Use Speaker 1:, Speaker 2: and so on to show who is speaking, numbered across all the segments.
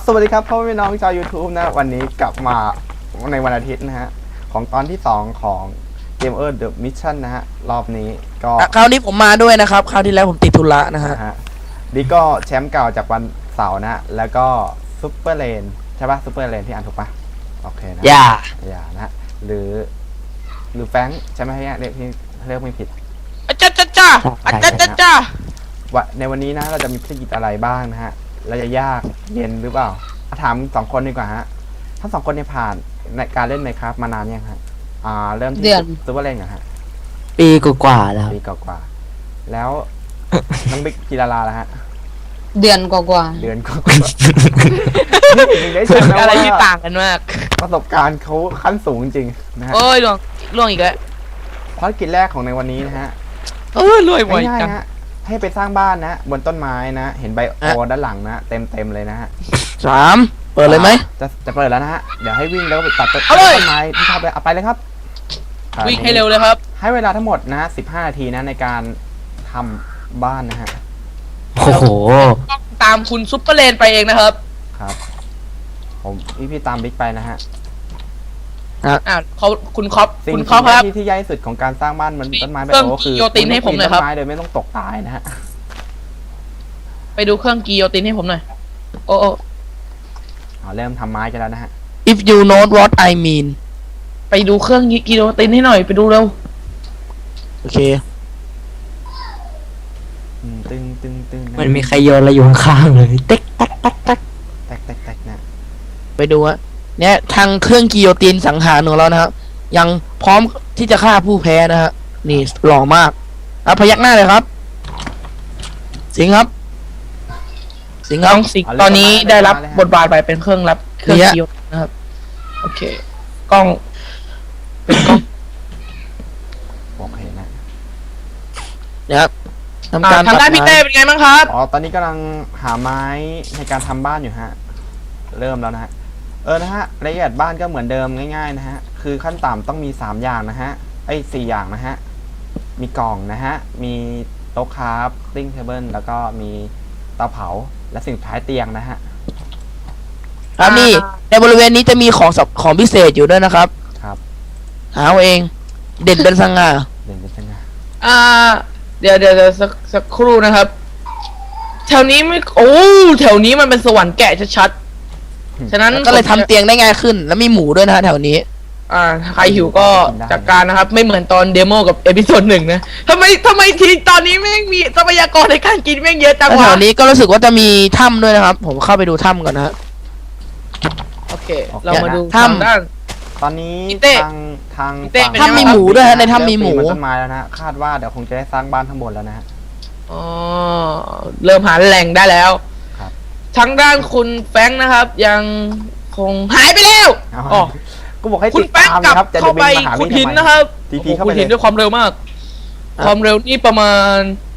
Speaker 1: สวัสดีครับพ่อพี่น้องชาว YouTube นะวันนี้กลับมาในวันอาทิตย์นะฮะของตอนที่2ของ Gamer The Mission นะฮะรอบนี้ก็
Speaker 2: คราวนี้ผมมาด้วยนะครับคราวที่แล้วผมติดธุระนะฮะ
Speaker 1: นี่ก็แชมป์เก่าจากวันเสาร์นะแล้วก็ซุปเปอร์เลนใช่ปะซุปเปอร์เลนที่อ่านถูกปะโอเคนะอย่านะหรือแฟงใช่ไหมฮะเรียกไม่ผิด
Speaker 2: จ้า
Speaker 1: ว่าในวันนี้นะเราจะมีภารกิจอะไรบ้างนะฮะเราจะยากเย็นหรือเปล่าถาม2คนดีกว่าฮะทั้ง2คนเนี่ยผ่านในการเล่นไหมครับมานานยังฮะเริ่มที่ซุปเปอร์เลนเหรอฮะ
Speaker 3: ปีกว่าแล้ว
Speaker 1: ปีกว่าแล้วน้องบิ๊กกีฬาแล้วฮะ
Speaker 4: เดือนกว่า
Speaker 2: อะไรที่ต่างกันมาก
Speaker 1: ประสบการณ์เขาขั้นสูงจริงนะฮะ
Speaker 2: โอ้ยล่วงอีกแล้ว
Speaker 1: ภารกิจแรกของในวันนี้นะฮะ
Speaker 2: รวยบ่อยจัง
Speaker 1: ให้ไปสร้างบ้านนะบนต้นไม้นะเห็นใบโอด้านหลังนะเต็มเลยนะฮะ
Speaker 2: 3เปิดเลยไหม
Speaker 1: จะเปิดแล้วนะฮะเดี๋ยวให้วิ่งแล้วก็ไปตัดต้นไม้ที่ชอบเลยเอาไปเลยครับ
Speaker 2: วิ่งให้เร็วเลยครับ
Speaker 1: ให้เวลาทั้งหมดนะ15 นาทีนะในการทำบ้านนะฮะ
Speaker 3: โอ้โห
Speaker 2: ตามคุณซุปเปอร์เลนไปเองนะครับ
Speaker 1: ผมพี่ตามบิ๊กไปนะฮะ
Speaker 2: คุณคอป
Speaker 1: ครับที่ยากที่สุดของการสร้างบ้านมันต้นไม้แบบโอ้คือ
Speaker 2: โยตินให้ผมหน่อยครับ
Speaker 1: ต้นไม้โดยไม่ต้องตกตายนะฮะ
Speaker 2: ไปดูเครื่องกิโยตินให้ผมหน่อยโอ้
Speaker 1: เริ่มทำไม้กันแล้วนะฮะ
Speaker 2: If you know what I mean ไปดูเครื่องกิโยตินให้หน่อยไปดูเร็วโอเค
Speaker 1: ตึง
Speaker 3: มันมีใครโยนอะไรอยู่ข้างๆเลยเต๊ก
Speaker 1: แตกนะ
Speaker 2: ไปดูอะเนี่ยทางเครื่องกิโยตินสังหารของเรานะครับยังพร้อมที่จะฆ่าผู้แพ้นะฮะนี่หล่อมากพยักหน้าเลยครับสิงครับตอนนี้ได้รับบทบาทไปเป็นเครื่องกิโยตินนะครับโอเคกล้องเป็นกล้อง
Speaker 1: โอเคนะ
Speaker 2: นะครับทำการทำได้พี่เต้เป็นไงบ้างครับ
Speaker 1: ตอนนี้กำลังหาไม้ในการทำบ้านอยู่ฮะเริ่มแล้วนะฮะนะฮะรายละเอียดบ้านก็เหมือนเดิมง่ายๆนะฮะคือขั้นต่ำต้องมี3อย่างนะฮะ4อย่างนะฮะมีกล่องนะฮะมีโต๊ะคราฟติ้งเทเบิลแล้วก็มีเตาเผาและสิ่งสุดท้ายเตียงนะฮะ
Speaker 2: ครับนี่ในบริเวณนี้จะมีของพิเศษอยู่ด้วยนะครับหาเองเด่นเป็นสง่าเดี๋ยวสักครู่นะครับแถวนี้ไม่แถวนี้มันเป็นสวรรค์แกะชัดฉะนั้นก็เลยทำเตียงได้ง่ายขึ้นแล้วมีหมูด้วยนะฮะแถวนี้ใครหิวก็จัดการนะครับไม่เหมือนตอนเดโมกับเอพิโซด1นะทำไมทีตอนนี้แม่งมีทรัพยากรในการกินแม่งเยอะจังวะแถวนี้ก็รู้สึกว่าจะมีถ้ำด้วยนะครับผมเข้าไปดูถ้ำก่อนนะฮะโอเคเรามาดูถ้ำด้าน
Speaker 1: ตอนนี้ทาง
Speaker 2: ถ้ำมีหมูด้วยฮะในถ้ำมีหมู
Speaker 1: ต้นไม้แล้วนะคาดว่าเดี๋ยวคงจะได้สร้างบ้านทั้งหมดแล้วนะฮะ
Speaker 2: เริ่มหาแหล่งได้แล้วทางด้านคุณแฟงนะครับยังคงหายไปแล้ว
Speaker 1: ก็บอกให้
Speaker 2: คุณแฟงกลับเข้าไปขุดหินนะครับขุดหินด้วยความเร็วมากความเร็วนี่ประมาณ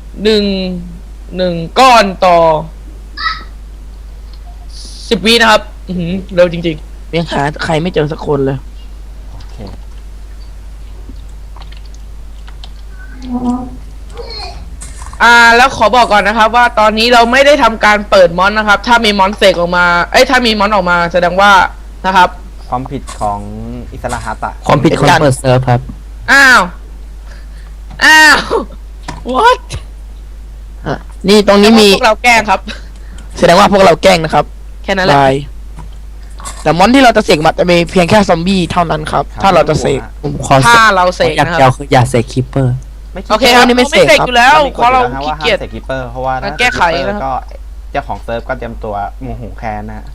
Speaker 2: 1ก้อนต่อ10 วินะครับเร็วจริงๆยังหาใครไม่เจอสักคนเลยแล้วขอบอกก่อนนะครับว่าตอนนี้เราไม่ได้ทำการเปิดมอนนะครับถ้ามีมอนเสกออกมาถ้ามีมอนออกมาแสดงว่านะครับ
Speaker 1: ความผิดของอิสระฮาตะ
Speaker 3: ความผิดของเปิดเซิร์ฟครับ
Speaker 2: อ้าว what นี่ตรงนี้มีพวกเราแกล้งครับแสดงว่าพวกเราแกล้งนะครับแค่นั้นแหละแต่มอนที่เราจะเสกมันจะมีเพียงแค่ซอมบี้เท่านั้นครับถ้าเราจะเสกถ้าเราเสกนะครับ
Speaker 3: อย่าเสกคิปเปอร์
Speaker 2: โอเคครับนี่ไม่เสกอยู่แล้วเพราะเราขี้เกียจ
Speaker 1: เสกคิปเปอร์เพราะว่า
Speaker 2: แก้ไขแล้ว
Speaker 1: ก็เจ้าของเซิร์ฟก็เตรียมตัวโมโหแค้นนะ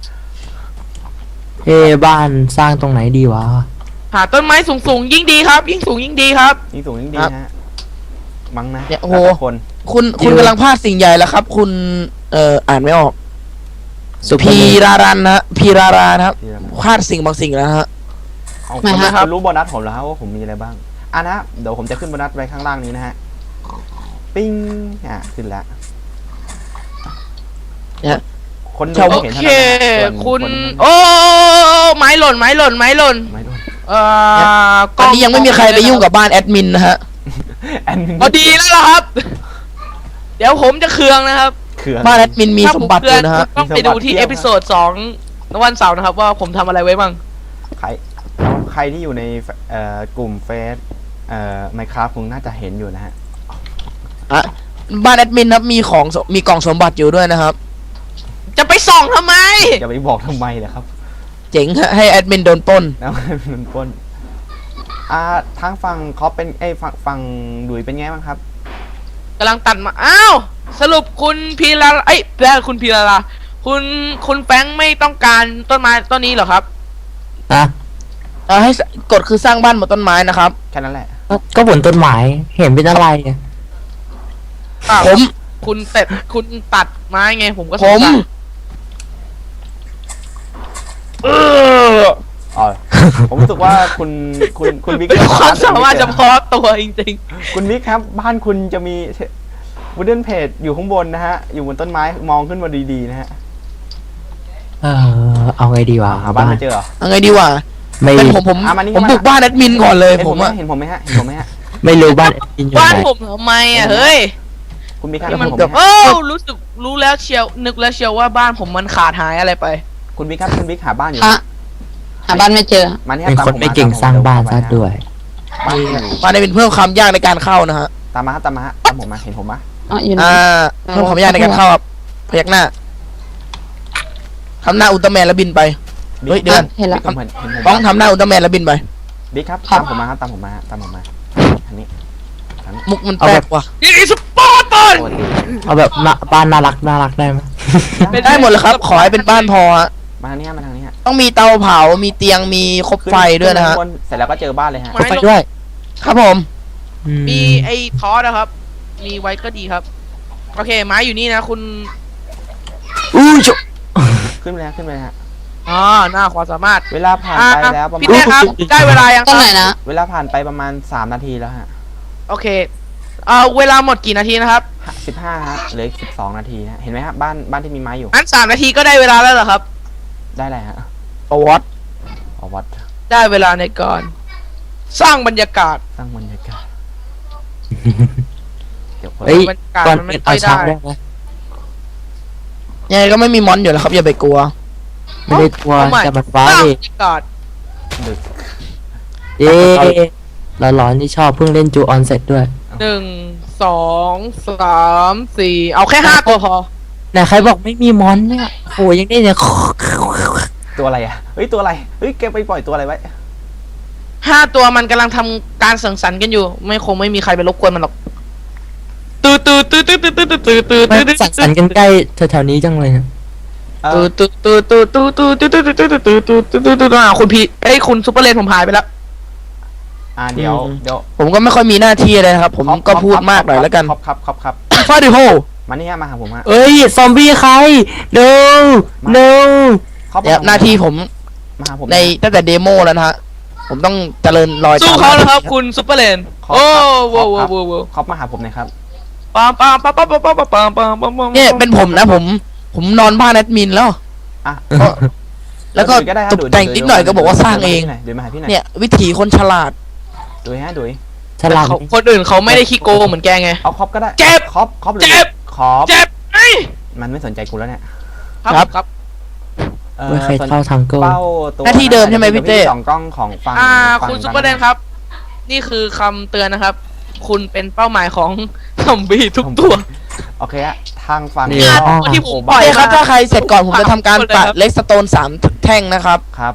Speaker 3: บ้านสร้างตรงไหนดีวะ
Speaker 2: หาต้นไม้สูงยิ่งดีครับยิ่งสูงยิ่งดีครับ
Speaker 1: ยิ่งสูงยิ่งดีฮะมั้งนะ
Speaker 2: โอ้โหคุณกำลังพลาดสิ่งใหญ่แล้วครับคุณอ่านไม่ออกพีรารันนะพีรารานะครับพลาดสิ่งบางสิ่งแล้วฮะ
Speaker 1: คุณรู้โบนัสผมแล้วครับว่าผมมีอะไรบ้างนะเดี๋ยวผมจะขึ้นโบนัสไว้ข้างล่างนี้นะฮะปิ้งขึ้นแล้ว
Speaker 2: เนี่ยคนดูเห็นคุณไม้หล่นตอนนี้ยังไม่มีใครไปยุ่งกับบ้านแอดมินนะฮะดีแล้วล่ะครับเดี๋ยวผมจะเคืองนะครับ
Speaker 1: เขื่อน
Speaker 2: บ้านแอดมินมี
Speaker 5: ถ้า
Speaker 2: ส
Speaker 5: ผม ม
Speaker 2: บัติอ
Speaker 5: เพื่อน
Speaker 2: ยู่นะฮะ
Speaker 5: ต้องไปดูที่
Speaker 1: มีสมบัติเพียบ
Speaker 5: เอพิโซด2วันเสาร์นะครับว่าผมทำอะไรไว้บ้าง
Speaker 1: ใครที่อยู่ในกลุ่มเฟซMinecraft คงน่าจะเห็นอยู่นะฮะ
Speaker 2: อ่ะบ้านแอดมินครับมีกล่องสมบัติอยู่ด้วยนะครับ
Speaker 5: จะไปส่องทำไม
Speaker 1: อย่าไปบอกทำไมเลยครับ
Speaker 2: เจ๋งฮะให้แอดมินโดนปล้น
Speaker 1: แล้วมันปล้นทางฝั่งเขาเป็นฝั่งดุยเป็นไงบ้างครับ
Speaker 5: กำลังตัดมาอ้าวสรุปคุณพีลาคุณพีลาคุณแฟรงค์ไม่ต้องการต้นไม้ต้นนี้เหรอครับ
Speaker 3: นะ
Speaker 2: ให้กฎคือสร้างบ้านบนต้นไม้นะครับ
Speaker 1: แค่นั้นแหละ
Speaker 3: ก็บนต้นไม้เห็นเป็นอะไรอะ
Speaker 2: ผม
Speaker 5: คุณตัดไม้ไงผมก็ส
Speaker 2: ผ
Speaker 5: ง
Speaker 2: ม
Speaker 5: สัย
Speaker 1: อ๋อ ผมรู้สึกว่าคุณบิ๊ก
Speaker 5: เป็นความสามารถเฉพาะตัวจริง
Speaker 1: คุณบิ๊กครับ บ้านคุณจะมีวูดเดนเพจอยู่ข้างบนนะฮะ อยู่บนต้นไม้มองขึ้นมาดีๆนะฮะ
Speaker 3: เอาไงดีวะ
Speaker 1: หาบ้านไม่เจอเหรอ
Speaker 2: เอาไงดีวะ
Speaker 3: ไม่
Speaker 2: เป็นผม
Speaker 1: มานี่
Speaker 2: ผม
Speaker 1: มา
Speaker 2: บุกบ้านแอดมินก่อนเลย
Speaker 1: เห็น
Speaker 2: ผ
Speaker 1: ผม
Speaker 2: ม
Speaker 1: ไหม
Speaker 2: อะ
Speaker 1: เห็นผมไหมฮะเห็นผมไหมฮะ
Speaker 3: ไม่รู้บ้านแอดมินอยู่
Speaker 5: ๆบ้าน
Speaker 3: ไหน
Speaker 5: ผมทำไมอ่ะเฮ้ย
Speaker 1: คุณบิ๊กครับ
Speaker 5: นี่มัน
Speaker 1: เห็นผม
Speaker 5: เกือบ
Speaker 1: ไหมฮะ
Speaker 5: รู้แล้วเชียวนึกแล้วเชียวว่าบ้านผมมันขาดหายอะไรไป
Speaker 1: คุณบิ๊กครับคุณบิ๊กหาบ้านอยู่
Speaker 4: หาบ้านไม่เจอ
Speaker 1: มานี่
Speaker 3: เป็น
Speaker 1: ตาม
Speaker 3: คน
Speaker 1: ผม
Speaker 3: ไม่เก่งสร้างบ้านซะด้วย
Speaker 1: บ้านอยู่
Speaker 2: บ้านได้เป็นเพิ่มความยากในการเข้านะฮะ
Speaker 1: ตามมาครับตามมาฮะตามผมมาเห็นผมไหม
Speaker 4: อ๋ออยู่ไหน
Speaker 2: เพิ่มความยากในการเข้าครับพยักหน้าทำหน้าอุลตร้าแมนแล้วบินไป เฮ้ยเดือน
Speaker 4: เห็นละ
Speaker 1: บิ๊กเห็นผม
Speaker 2: ต้องทำหน้าอุลตร้าแมนแล้วบินไป
Speaker 1: บิ๊กครับ
Speaker 4: ครับ
Speaker 1: ตามผมมาครับตามผมมาตามผมมาอันนี้
Speaker 2: มุกมันแปลกว่ะ
Speaker 5: นี่สปอร์ตบอล
Speaker 1: ปกติ
Speaker 3: เอาแบบบ้านน่ารักได้ไหม
Speaker 2: ได้หมดเลยครับ ขอให้เป็นบ้านพอฮะ
Speaker 1: มาทางนี้ฮะมาทางนี้ฮะ
Speaker 2: ต้องมีเตาเผา มีเตียง มีคบไฟด้วยนะฮะ
Speaker 1: ขึ้ข้างบเสร็จแล้วก็เจอบ้านเลยฮะ
Speaker 3: ก็ไปด้วย
Speaker 2: ครับผม
Speaker 5: มีไอ้ทอสนะครับ มีไว้ก็ดีครับ โอเคไม้อยู่นี่นะคุณ
Speaker 2: ชุ
Speaker 1: ขึ้นไปเลยฮะขึ้นไปเลยฮะ
Speaker 5: หน้าความสามารถ
Speaker 1: เวลาผ่านไปแล้วประมา
Speaker 5: พี่
Speaker 1: ณ
Speaker 5: เต้ครับ ได้เวลายัง
Speaker 4: ต้
Speaker 5: คน รับ
Speaker 4: ไหนนะ
Speaker 1: เวลาผ่านไปประมาณ3 นาทีแล้วฮะ
Speaker 5: โอเคเวลาหมดกี่นาทีนะครับ
Speaker 1: 15ฮะเหลืออีก12 นาทีนะเห็นไหมฮะบ้านที่มีไม้อยู่
Speaker 5: งั้น3 นาทีก็ได้เวลาแล้วเหรอครับ
Speaker 1: ได้อะไรฮะ
Speaker 2: ประวัติ
Speaker 1: อ๋อวัด
Speaker 5: ได้เวลาในการสร้างบรรยากาศ
Speaker 1: สร้างบรรยากาศเดี๋ยว
Speaker 3: เฮ้ย
Speaker 5: บรรยากาศ
Speaker 3: ก่อน
Speaker 5: มันไม่
Speaker 3: เป็น
Speaker 5: ค่
Speaker 3: เอา
Speaker 5: อย
Speaker 3: ช้า
Speaker 5: ได้
Speaker 3: ได้ไหม
Speaker 2: ยังไงก็ไม่มีมอนอยู่แล้วครับ อย่าไปกลัว
Speaker 3: ไม่ได้กลัว
Speaker 5: เอาใหม่
Speaker 3: แต่มันฟ้า
Speaker 5: สร้าง
Speaker 3: ดิ
Speaker 5: บรรยากาศ
Speaker 1: ดึก
Speaker 3: เอ๊ะเราร้อนที่ชอบเพิ่งเล่นจูออนเสร็จด้วย
Speaker 5: 1 2 3 4เอาแค่5 ตัวพอ
Speaker 3: ไหนใครบอกไม่มีมอนเนี่ยโหยังได้เนี่ย
Speaker 1: ตัวอะไรอ่ะเฮ้ยตัวอะไรเฮ้ยแกไปปล่อยตัวอะไรไว้
Speaker 5: 5 ตัวมันกำลังทำการสังสรรค์กันอยู่ คงไม่มีใครไปรบกวนมันหรอกตื่นตื่นตื่นตื่นตื่นตื่นตื่นตื่น
Speaker 3: ไม่
Speaker 5: ตื่น
Speaker 3: สั่งสรรค์กันใกล้แถวๆนี้จังเลยนะ
Speaker 5: ตื่นตื่นตื่นตื่นตื่นตื่นตื่นตื่นตื่นตื่นตื่นตื่นตื่นคุณพี่คุณซุปเปอร์เลนผมหายไปแล้ว
Speaker 1: เดี๋ยว
Speaker 2: ผมก็ไม่ค่อยมีหน้าที่เลยนะครับ ผมก็พูดมากหน่อยแล้วกัน
Speaker 1: ครับ
Speaker 2: ฟาดิโฮ
Speaker 1: มานี่ฮะมาหาผมฮะ
Speaker 3: เอ้ยซอมบี้ใคร no no
Speaker 2: เนี่ยหน้าที่ผม
Speaker 1: มาหาผม
Speaker 2: ในตั้งแต่เดโมแล้วนะฮะ ผมต้องเจริญรอย
Speaker 5: สู้
Speaker 2: ตาม
Speaker 5: เขาแล้วครับคุณซุปเปอร์เลนโอ้โห
Speaker 1: ครอปมาหาผมหน่อยครับ
Speaker 5: ปามปามปามปามปามปามปามปามปาม
Speaker 2: เนี่ยเป็นผมนะผมนอนบ้านแอดมินแล้ว
Speaker 1: อ่ะ
Speaker 2: แล้วก็
Speaker 1: ได้ฮะ
Speaker 2: ตกแต่งนิดหน่อยก็บอกว่าสร้างเอง
Speaker 1: เดี๋ยวมาหาพี่หน่อย
Speaker 2: เนี่ย วิถีคนฉลาด
Speaker 1: ดุยฮะดุย
Speaker 3: ฉลาด
Speaker 5: คนอื่นเขาไม่ได้ขี้โกงเหมือนแกไง
Speaker 1: เอาครอปก็ได้
Speaker 5: เจ็บ
Speaker 1: ครอปหรือ
Speaker 5: เจ็บ
Speaker 1: ครอป
Speaker 5: เจ็บไอ้
Speaker 1: มันไม่สนใจกูแล้วเนี่ย
Speaker 5: ครับครับ
Speaker 3: ไม่เคยเข้าทางเกิล
Speaker 1: เป้าตัว
Speaker 2: หน้าที่เดิมใช่ไหมพี่เต้
Speaker 1: สองกล้องของฟัง
Speaker 5: คุณซุปเปอร์เลนครับ นี่คือคำเตือนนะครับ คุณเป็นเป้าหมายของซอมบี้ทุกตัว
Speaker 1: โอเคฮะทางฟัง
Speaker 5: เนี่ยตัวที่ผม
Speaker 2: ปล่อยครับ ถ้าใครเสร็จก่อนผมจะทำการ
Speaker 5: เลย
Speaker 2: ตัด
Speaker 5: ครับ
Speaker 2: เล็กสโตน3 แท่งนะครับ
Speaker 1: ครับ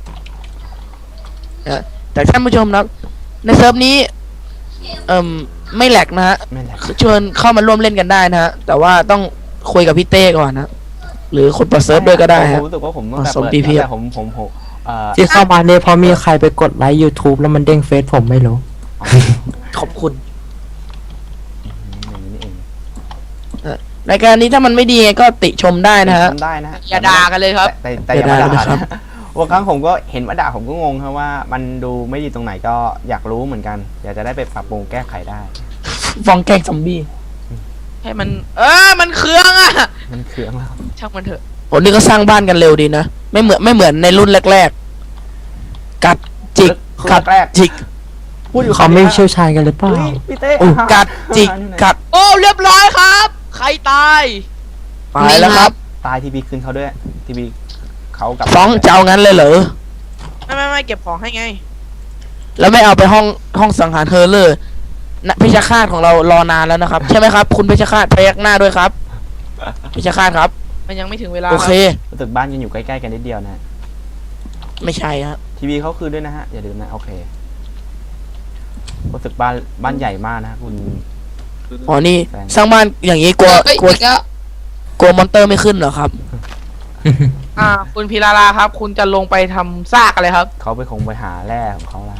Speaker 2: แต่ท่านผู้ชมนะในเซิร์ฟนี้ ไม่แหลกนะฮะ
Speaker 1: ไม่แหละ
Speaker 2: เชิญเข้ามาร่วมเล่นกันได้นะฮะ แต่ว่าต้องคุยกับพี่เต้ก่อนนะ หรือคนเปิดเซิร์ฟด้วยก็ได้
Speaker 1: ผ
Speaker 2: ฮะ
Speaker 1: มรู้สึกว่าผมตั้งแต่
Speaker 2: สม
Speaker 1: เปิด
Speaker 2: ดีเพียบ
Speaker 1: แต่ผม
Speaker 3: ที่เข้ามาเนี่ยเพราะมีใครไปกดไลค์ YouTube แล้วมันเด้งเฟซผมไม่รู้
Speaker 2: ขอบคุณ
Speaker 1: อย่างนี้นี่เอง
Speaker 2: รายการนี้ถ้ามันไม่ดีไงก็ติชมได้นะฮะ
Speaker 1: ทำได้นะฮะ
Speaker 5: อย่าด่ากันเลยครับ
Speaker 1: แต่อย่ามา
Speaker 2: อย่าด่า
Speaker 1: ด่า
Speaker 2: นะครับ
Speaker 1: นะบางครั้งผมก็เห็นว่าด่าผมก็งงครับว่ามันดูไม่ดีตรงไหนก็อยากรู้เหมือนกัน อยากจะได้ไปปรับปรุงแก้ไขได้
Speaker 2: ฟองแกล้งซอมบี้
Speaker 5: ให้มันมันเครื่องอ่ะ
Speaker 1: มันเคืองแล้ว
Speaker 5: ช่างมันเถอะ
Speaker 2: โอ้นี่ก็สร้างบ้านกันเร็วดีนะ ไม่เหมือนในรุ่นแรกๆ กัดจิกกัด
Speaker 1: แรก
Speaker 2: จิก
Speaker 1: พูดอยู่
Speaker 3: เขาไม่เชี่ยวชาญกันหรือเปล่า
Speaker 1: เฮ้ยพี่เต้
Speaker 2: กัดจิกกัด
Speaker 5: โอ้เรียบร้อยครับ ใครตาย
Speaker 2: ไปแล้วครับ
Speaker 1: ตายทีบีคืนเขาด้วยทีบีเขากลับ
Speaker 2: ฟ้องจะเอางั้นเลยเหรอ
Speaker 5: ไม่เก็บของให้ไง
Speaker 2: แล้วไม่เอาไปห้องสังหารเธอเลยนะพิชคาตของเรารอนานแล้วนะครับ ใช่ไหมครับ คุณพิชคาตพยักหน้าด้วยครับพิชคาตครับ
Speaker 5: มันยังไม่ถึงเวลา
Speaker 2: โอเค
Speaker 1: รู้สึกบ้านยังอยู่ใกล้ๆกันนิดเดียวนะ
Speaker 2: ไม่ใช่ฮะ
Speaker 1: ทีวีเขาคืนด้วยนะฮะอย่าลืมนะโอเครู้สึกบ้านใหญ่มากนะคุณ
Speaker 2: อ๋อนี่
Speaker 1: แฟน
Speaker 2: สร้างบ้านอย่างนี้กลัว
Speaker 4: เฮ้ย
Speaker 2: กลัว
Speaker 4: อีกแล้ว
Speaker 2: กลัวมอนเตอร์ไม่ขึ้นเหรอครับ
Speaker 5: คุณพีราครับ คุณจะลงไปทำซากอะไรครับ
Speaker 1: เขาไปคงไปหาแร่ของเขาละ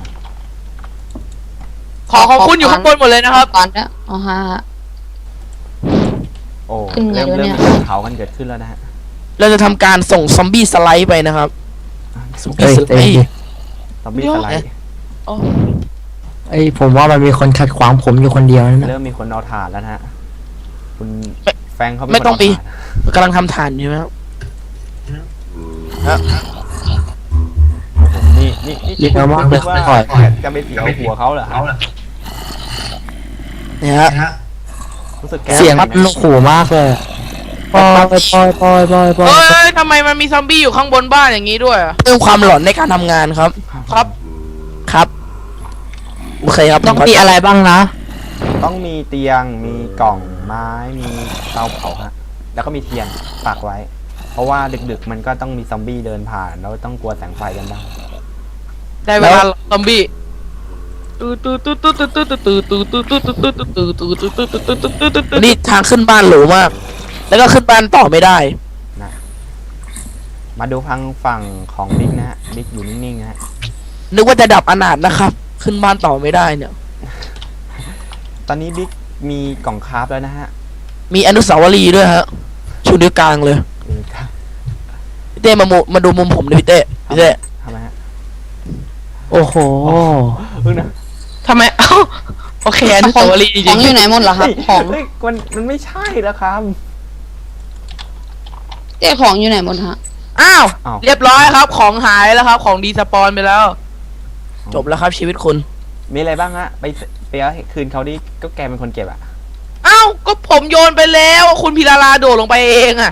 Speaker 5: ของคุณอยู่ข้างบนหมดเลยนะครับ
Speaker 4: ตอนเนี้ยอ๋อฮะ
Speaker 1: โอ้
Speaker 4: ขึ้นไง
Speaker 1: เริ่ม
Speaker 4: วะเนี่ย
Speaker 1: มีการเผากันเกิดขึ้นแล้วนะฮะ
Speaker 2: เราจะทำการส่งซอมบี้สไลด์ไปนะครับซอมบี้
Speaker 3: เอ้ย
Speaker 2: สไล
Speaker 3: เอ้ย
Speaker 2: ด์
Speaker 1: ซอมบี้สไลด์
Speaker 3: ไอ้ยผมว่ามันมีคนขัดขวางผมอยู่คนเดียวนั่นนะ
Speaker 1: เริ่มมีคนเอาถ่านแล้วนะฮะคุณแฟงเขาเป็น
Speaker 2: ไม่
Speaker 1: คน
Speaker 2: ต้อง
Speaker 1: เอา
Speaker 2: ปี
Speaker 1: ถ่าน
Speaker 2: กำลังทำฐานอยู่ไหมครับ
Speaker 1: นี่
Speaker 3: เยอะมากเลย
Speaker 1: ว่า
Speaker 3: ปล่อย
Speaker 1: จะไปเสียวหัวเขาเหรอฮะ
Speaker 2: เนี่ยฮะ
Speaker 1: รู้สึกแก
Speaker 3: เสียงมันขู่มากเลยปล่อยปล่อยปล่อยปล่อยปล่อย
Speaker 5: เฮ้ยทำไมมันมีซอมบี้อยู่ข้างบนบ้านอย่างนี้ด้วยอะ
Speaker 2: เพิ่มความหลอนในการทำงานครับ
Speaker 5: ครับ
Speaker 2: ครับโอเคครับ
Speaker 3: ต้องมีอะไรบ้างนะ
Speaker 1: ต้องมีเตียงมีกล่องไม้มีเตาเผาฮะแล้วก็มีเทียนปักไว้ เพราะว่าดึกๆมันก็ต้องมีซอมบี้เดินผ่านแล้วต้องกลัวแสงไฟกันบ้าง
Speaker 5: ได้เวลาซอมบี้
Speaker 2: นี่ทางขึ้นบ้านหรูมาก แล้วก็ขึ้นบ้านต่อไม่ได้
Speaker 1: นะมาดูทางฝั่งของบิ๊กนะฮะบิ๊กอยู่นิ่งๆนะฮะ
Speaker 2: นึกว่าจะดับอนาถนะครับ ขึ้นบ้านต่อไม่ได้เนี่ย
Speaker 1: ตอนนี้บิ๊กมีกล่องคราฟแล้วนะฮะ
Speaker 2: มีอนุสาวรีย์ด้วยฮะชูนิ้วกลางเลย
Speaker 1: ครับ
Speaker 2: พี่เต้มาดูมุมผมดิพี่เต้พี่เต้
Speaker 1: ทำไมฮะ
Speaker 3: โอ้โห
Speaker 1: เพิ่งนะ
Speaker 5: ทำไมเอ้าโอเคอนุสาวรีย์จ
Speaker 4: ข
Speaker 5: ริ
Speaker 4: อง
Speaker 5: ง
Speaker 4: อยู่ไหนหมดเหรอครับ ของ
Speaker 1: เฮ้ยมันไม่ใช่แล้วครับ
Speaker 4: เจ้ของอยู่ไหนหมดฮะ
Speaker 5: อ้าว
Speaker 1: อ้าว
Speaker 5: เรียบร้อยครับ ของหายแล้วครับ ของดีสปอนไปแล้ว
Speaker 2: จบแล้วครับชีวิตคุณ
Speaker 1: มีอะไรบ้างฮะไปเอาคืนเขาดิก็แกเป็นคนเก็บอ่ะ
Speaker 5: อ้าวก็ผมโยนไปแล้ว คุณพีราโดดลงไปเองอะ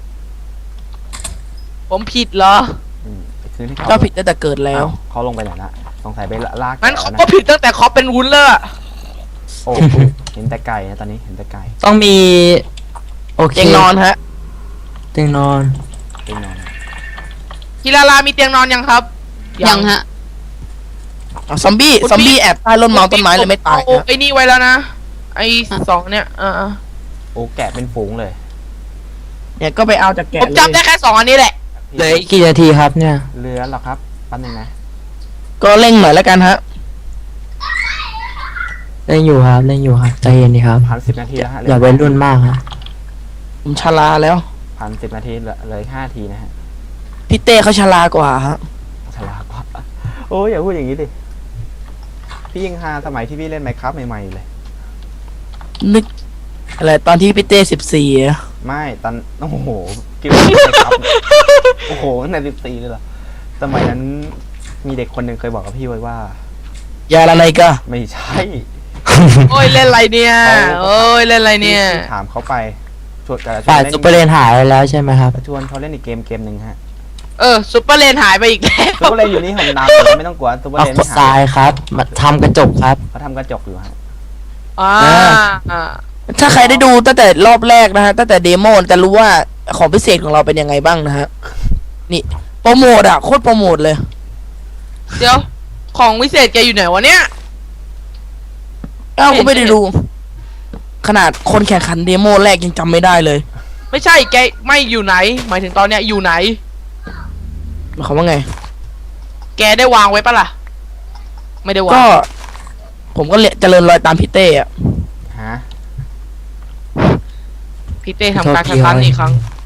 Speaker 5: ผมผิดเหรอ
Speaker 1: ไปคืนให้เขา
Speaker 2: ก็ผิดตั้งแต่เกิดแล้ว
Speaker 1: อ้าวเขาลงไปไหนละสงสัยไปลาก
Speaker 5: งั้น
Speaker 1: แกะ
Speaker 5: เขา
Speaker 1: แล้ว
Speaker 5: ก็
Speaker 1: นะ
Speaker 5: ผิดตั้งแต่เขาเป็นวุ้นเลยอะ
Speaker 1: โอ้เห็นแต่ไก่นะตอนนี้เห็นแต่ไก่
Speaker 3: ต้องมี โอเค
Speaker 2: เตียงนอนฮะ
Speaker 3: เตียงนอน
Speaker 1: เป็นนอน
Speaker 5: พีรามีเตียงนอนยังครับ
Speaker 4: ยังฮะ
Speaker 2: อ่ะซอมบี้แอบใต้ร่มเมาต้นไม้เลยไม่ตาย
Speaker 5: โอ้
Speaker 2: นะ
Speaker 5: ไอ้นี่ไว้แล้วนะ ไอ้สองเนี่ยอ
Speaker 1: โอ้แกะเป็นฝูงเลย
Speaker 2: เนี่ยก็ไปเอาจากแกะ
Speaker 5: ผม
Speaker 2: เลย
Speaker 5: จำได้แค่สองอันนี้แหละ
Speaker 3: เหลืออีกกี่นาทีครับเนี่ย
Speaker 1: เรือหรอครับแป๊บนึงนะ
Speaker 2: ก็เร่งหน่อยแล้วกันฮะ
Speaker 3: เล่นอยู่ครับเล่นอยู่ครับใจเย็นดีครับ
Speaker 1: ผ่าน10 นาทีแล้วฮะ
Speaker 3: อย่าเป็นรุ่นมากฮะ
Speaker 2: ผมชราแล้ว
Speaker 1: ผ่าน10 นาทีเลย5 นาทีนะฮะ
Speaker 2: พี่เต้เขาชรากว่าฮะ
Speaker 1: ฉลาดกว่าโอ้ยอย่าพูดอย่างนี้ดิพี่ยังฮาสมัยที่พี่เล่นไมค์ครับใหม่ๆเลย
Speaker 2: นึกอะไรตอนที่พี่เต้14อะ
Speaker 1: ไม่ตอนโอ้โหกินไมค์ครับโอ้โหตั้งแต่14เลยเหรอสมัยนั้นมีเด็กคนหนึ่งเคยบอกกับพี่ไว้ว่า
Speaker 2: ยาละไนก็
Speaker 1: ไม่ใช่
Speaker 5: โอ้ยเล่นอะไรเนี่ยโอ้ยเล่นอะไรเนี่ย
Speaker 1: พี่ถามเขาไปชวนกันชว
Speaker 3: ฝ่าย
Speaker 1: นเล่น
Speaker 3: ซุปเปอร์เลนหายไปแล้วใช่ไหมครับ
Speaker 1: ชวนเขาเล่นอีกเกมหนึ่งฮะ
Speaker 5: ซุปเปอร์เลนหายไปอีกแล้ว
Speaker 1: ซุปเปอร์เลนอยู่นี่ผมนำไม่ต้องกลัวซุปเปอร์
Speaker 3: เอา
Speaker 1: เลน
Speaker 3: ก
Speaker 1: ไม่
Speaker 3: ด
Speaker 1: หา
Speaker 3: ทราย ยครับมาทำกระจกครับ
Speaker 1: เขาทำกระจกอยู่ฮะ
Speaker 2: ถ้าใครได้ดูตั้งแต่รอบแรกนะฮะตั้งแต่เดโมจะรู้ว่าของพิเศษของเราเป็นยังไงบ้างนะฮะนี่โปรโมทอะโคตรโปรโมทเลย
Speaker 5: เดี๋ยว ของวิเศษแกอยู่ไหนวะเนี่ย
Speaker 2: อ้าวก็ไม่ได้ดู ขนาดคนแข่งขันเดโมแรกยังจำไม่ได้เลย
Speaker 5: ไม่ใช่แกไม่อยู่ไหน หมายถึงตอนเนี้ยอยู่ไหน
Speaker 2: หมายความว่าไง
Speaker 5: แกได้วางไว้ปะล่ะ ไม่ได้วาง
Speaker 2: ก็ ผมก็เจริญรอยตามพี่เต้อะ
Speaker 1: ฮะ
Speaker 5: พี่เต้ทำการแข่งขันอีกครั้ง